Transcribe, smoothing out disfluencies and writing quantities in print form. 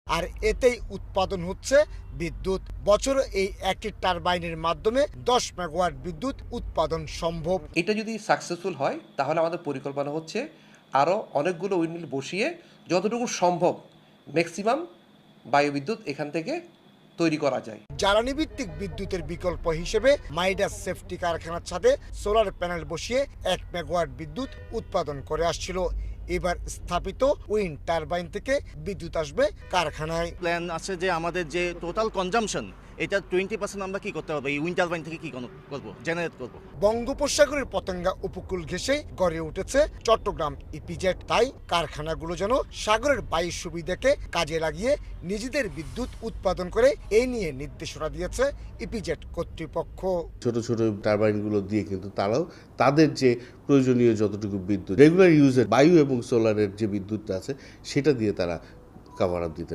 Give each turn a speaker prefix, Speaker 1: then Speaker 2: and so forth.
Speaker 1: আর এতেই উৎপাদন হচ্ছে বিদ্যুৎ। বছরে এই একটি টারবাইনের মাধ্যমে 10 মেগাওয়াট বিদ্যুৎ উৎপাদন সম্ভব।
Speaker 2: এটা যদি সাকসেসফুল হয় তাহলে আমাদের পরিকল্পনা হচ্ছে আরও অনেকগুলো উইন্ডমিল বসিয়ে যতটুকু সম্ভব ম্যাক্সিমাম বায়ুবিদ্যুৎ এখান থেকে তৈরি করা যায়।
Speaker 1: জ্বালানি ভিত্তিক বিদ্যুতের বিকল্প হিসেবে মাইডাস সেফটি কারখানার ছাদে সোলার প্যানেল বসিয়ে 1 মেগাওয়াট বিদ্যুৎ উৎপাদন করে আসছিল। এবার স্থাপিত উইন্ড টারবাইন থেকে বিদ্যুৎ আসবে কারখানায়।
Speaker 3: প্ল্যান আছে যে আমাদের যে টোটাল কনজাম্পশন এটা 20% আমরা কি করতে পারবো, এই উইন্ড টারবাইন থেকে কি করবো, জেনারেট করবো।
Speaker 1: বঙ্গোপসাগরের পতেঙ্গা উপকূল ঘেঁষে গড়ে উঠেছে চট্টগ্রাম ইপিজেড। তাই কারখানাগুলো যেন সাগরের বায়ু সুবিধাকে কাজে লাগিয়ে নিজেদের বিদ্যুৎ উৎপাদন করে এই নিয়ে নির্দেশনা দিয়েছে ইপিজেড কর্তৃপক্ষ।
Speaker 4: ছোট ছোট টারবাইনগুলো দিয়ে কিন্তু তারাও তাদের যে প্রয়োজনীয় যতটুকু বিদ্যুৎ রেগুলার ইউজের বায়ু এবং সোলারের যে বিদ্যুৎটা আছে সেটা দিয়ে তারা কাভার আপ দিতে